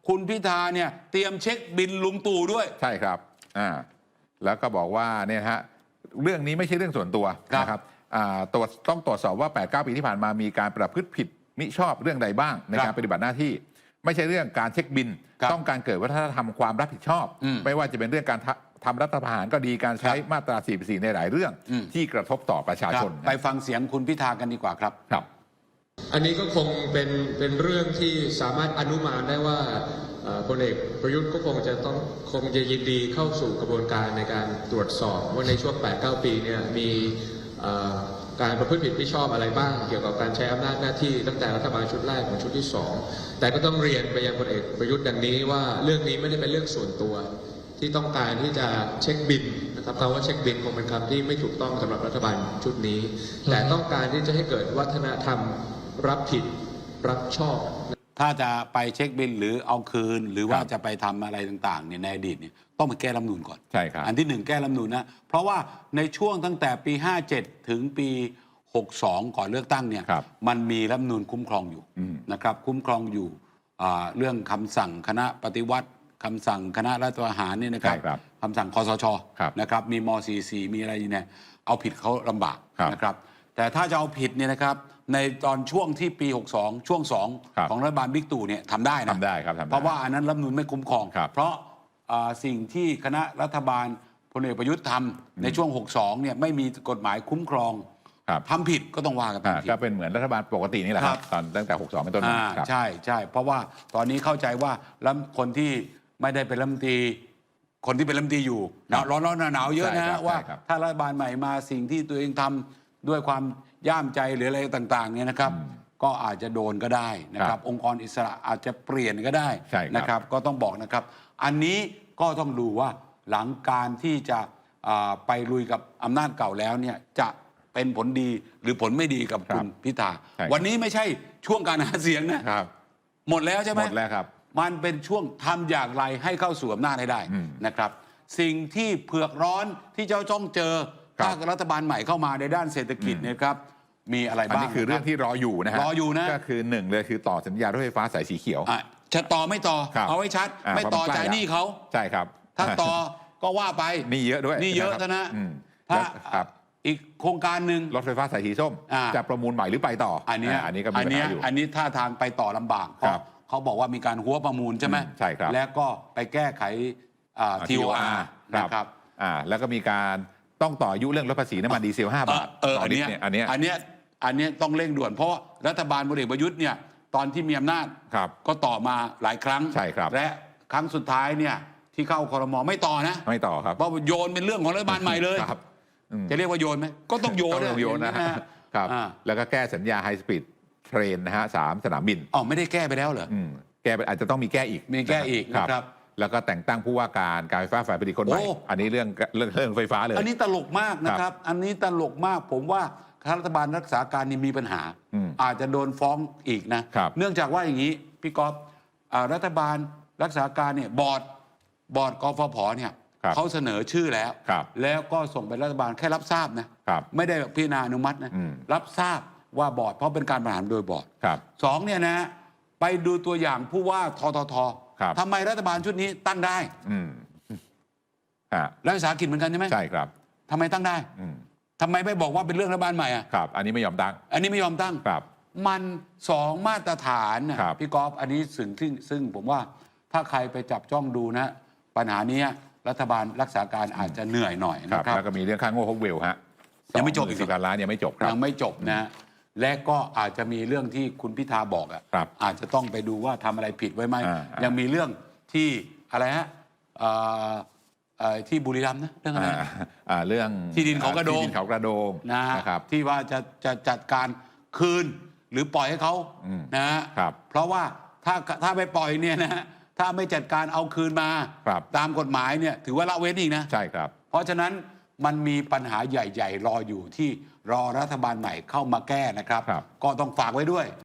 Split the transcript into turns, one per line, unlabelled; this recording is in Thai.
คุณพิธาเนี่ยเตรียมเช็คบินลุงตู่ด้วย
ใช่ครับแล้วก็บอกว่าเนี่ยฮะเรื่องนี้ไม่ใช่เรื่องส่วนตัวนะครับต้องตรวจสอบว่า8-9 ปีที่ผ่านมามีการประพฤติผิดมิชอบเรื่องใดบ้างในการปฏิบัติหน้าที่ไม่ใช่เรื่องการเช็คบินต้องการเกิดวัฒนธรรมความรับผิดชอบไม่ว่าจะเป็นเรื่องการทำรัฐประหารก็ดีการใช้มาตรา 44 ในหลายเรื่องที่กระทบต่อประชาชน
ไปฟังเสียงคุณพิธากันดีกว่าครับ
อันนี้ก็คงเป็นเรื่องที่สามารถอนุมานได้ว่าพลเอกประยุทธ์ก็คงจะยินดีเข้าสู่กระบวนการในการตรวจสอบว่าในช่วง 8-9 ปีเนี่ยมีการประพฤติผิดไม่ชอบอะไรบ้างเกี่ยวกับการใช้อำนาจหน้าที่ตั้งแต่รัฐบาลชุดแรกถึงชุดที่2แต่ก็ต้องเรียนไปยังพลเอกประยุทธ์ดังนี้ว่าเรื่องนี้ไม่ได้เป็นเรื่องส่วนตัวที่ต้องการที่จะเช็คบินนะครับคำว่าเช็คบินคงเป็นคำที่ไม่ถูกต้องสำหรับรัฐบาลชุดนี้แต่ต้องการที่จะให้เกิดวัฒนธรรมรับผิดรับชอบ
ถ้าจะไปเช็คบินหรือเอาคืนหรือว่าจะไปทำอะไรต่างๆเนี่ยในอดีตเนี่ยต้องไปแก้รัฐธรรมนูญก่อน
ใช่ครับ
อันที่1แก้รัฐธรรมนูญนะเพราะว่าในช่วงตั้งแต่ปี57ถึงปี62ก่อนเลือกตั้งเนี่ยมันมีรัฐธรรมนูญคุ้มครองอยู่นะครับคุ้มครองอยู่เรื่องคำสั่งคณะปฏิวัติคำสั่งคณะรัฐประหารเนี่ยนะครับคำสั่งคสชนะครับมีม.44มีอะไรเนี่ยเอาผิดเขาลำบากนะครับแต่ถ้าจะเอาผิดเนี่ยนะครับในตอนช่วงที่ปี62ช่วง2ของรัฐบาลบิ๊กตู่เนี่ยทำได้นะ
ทำได้ครับ
เพราะว่าอันนั้นรัฐธรรมนูญไม่คุ้มครองเพราะสิ่งที่คณะรัฐบาลพลเอกประยุทธ์ทำในช่วง62เนี่ยไม่มีกฎหมายคุ้มครองทำผิดก็ต้องว่ากัน
ก็เป็นเหมือนรัฐบาลปกตินี่แหละครับตอนตั้งแต่62เป็นต้นมา
ใช่เพราะว่าตอนนี้เข้าใจว่าแล้วคนที่ไม่ได้เป็นรัฐมนตรีคนที่เป็นรัฐมนตรีอยู่ร้อนหนาวเยอะนะว่าถ้ารัฐบาลใหม่มาสิ่งที่ตัวเองทำด้วยความย่ามใจหรืออะไรต่างๆเนี่ยนะครับก็อาจจะโดนก็ได้นะครับองค์กรอิสระอาจจะเปลี่ยนก็ได้นะครับก็ต้องบอกนะครับอันนี้ก็ต้องดูว่าหลังการที่จะไปลุยกับอำนาจเก่าแล้วเนี่ยจะเป็นผลดีหรือผลไม่ดีกับคุณพิธาวันนี้ไม่ใช่ช่วงการหาเสียงนะหมดแล้วใช่ไหม
หมดแล้วครับ
มันเป็นช่วงทำอย่างไรให้เข้าสู่อำนาจให้ได้นะครับสิ่งที่เผือกร้อนที่เจ้าจ้องเจอถ้ารัฐบาลใหม่เข้ามาในด้านเศรษฐกิจเนี่ยครับมีอะไรบ้าง
อันนี้คือเรื่องที่รออยู่นะฮะ
รออยู่นะ
ก็คือ1เลยคือต่อสัญญารถไฟฟ้าสายสีเขียว
จะต่อไม่ต่อเอาไว้ชัดไม่ต่อจ่ายหนี้เขา
ใช่ครับ
ถ้าต่อก็ว่าไป
นี่เยอะด้วย
นี่เยอะนะถ้าอีกโครงการหนึ่ง
รถไฟฟ้าสายสีส้มจะประมูลใหม่หรือไปต่อ
อันนี้ก็มีปัญหาอยู่อันนี้ท่าทางไปต่อลำบากเขาบอกว่ามีการหัวประมูลใช่ไหม
ใช่ครับ
แล้วก็ไปแก้ไขTOR นะครับ
แล้วก็มีการต้องต่ออายุเรื่องลดภาษีน้ำมันดีเซล5 บาท
อันนี้ต้องเร่งด่วนเพราะรัฐบาลพลเอกประยุทธ์เนี่ยตอนที่มีอำนาจก็ต่อมาหลายครั้งและครั้งสุดท้ายเนี่ยที่เข้าครม.ไม่ต่อนะ
ไม่ต่อครับ
เพราะโยนเป็นเรื่องของรัฐบาลใหม่เลยจะเรียกว่าโยนไหมก็ต้องโยน
นะครับแล้วก็แก้สัญญาไฮสปีดเทรนนะฮะ3 สนามบิน
ไม่ได้แก้ไปแล้วเหรอ
แก้อาจจะต้องมีแก้อีก
นะครับ
แล้วก็แต่งตั้งผู้ว่าการไฟฟ้าฝ่ายผลิตคนใหม่อันนี้เรื่องไฟฟ้าเลย
อันนี้ตลกมากนะครับอันนี้ตลกมากผมว่ารัฐบาลรักษาการนี่มีปัญหาอาจจะโดนฟ้องอีกนะเนื่องจากว่าอย่างนี้พี่ก๊อฟรัฐบาลรักษาการเนี่ยบอร์ดกฟผเนี่ยเขาเสนอชื่อแล้วก็ส่งไปรัฐบาลแค่รับทราบนะไม่ได้พิจารณาอนุมัตินะรับทราบว่าบอร์ดเพราะเป็นการบริหารโดยบอร์ด2เนี่ยนะไปดูตัวอย่างผู้ว่าทททำไมรัฐบาลชุดนี้ตั้งได้รัฐวิสาหกิจเหมือนกันใช่ไหม
ใช่ครับ
ทำไมตั้งได้ทำไมไม่บอกว่าเป็นเรื่องรัฐบาลใหม่
ครับอันนี้ไม่ยอมตั้ง
ครับมัน2 มาตรฐานพี่กอล์ฟอันนี้ซึ่งผมว่าถ้าใครไปจับจ้องดูนะปัญหานี้รัฐบาลรักษาการอาจจะเหนื่อยหน่อยนะครับ
แล้วก็มีเรื่องค่าโง่ฮกเวลฮะ
ยังไม่จบอีก
10 ล้านยังไม่จบ
ยังไม่จบนะและก็อาจจะมีเรื่องที่คุณพิธาบอกอาจจะต้องไปดูว่าทำอะไรผิดไว้ไหมยังมีเรื่องที่อะไรฮะที่บุรีรัมย์นะเรื่องอะไร
เรื่อง
ที่ดินเขากระโดง
นะครับ
ที่ว่าจะจัดการคืนหรือปล่อยให้เขานะครับเพราะว่าถ้าไปปล่อยเนี่ยนะถ้าไม่จัดการเอาคืนมาตามกฎหมายเนี่ยถือว่าละเว้นอีกนะ
ใช่ครับ
เพราะฉะนั้นมันมีปัญหาใหญ่ๆรออยู่ที่รอรัฐบาลใหม่เข้ามาแก้นะครับก็ต้องฝากไว้ด้วย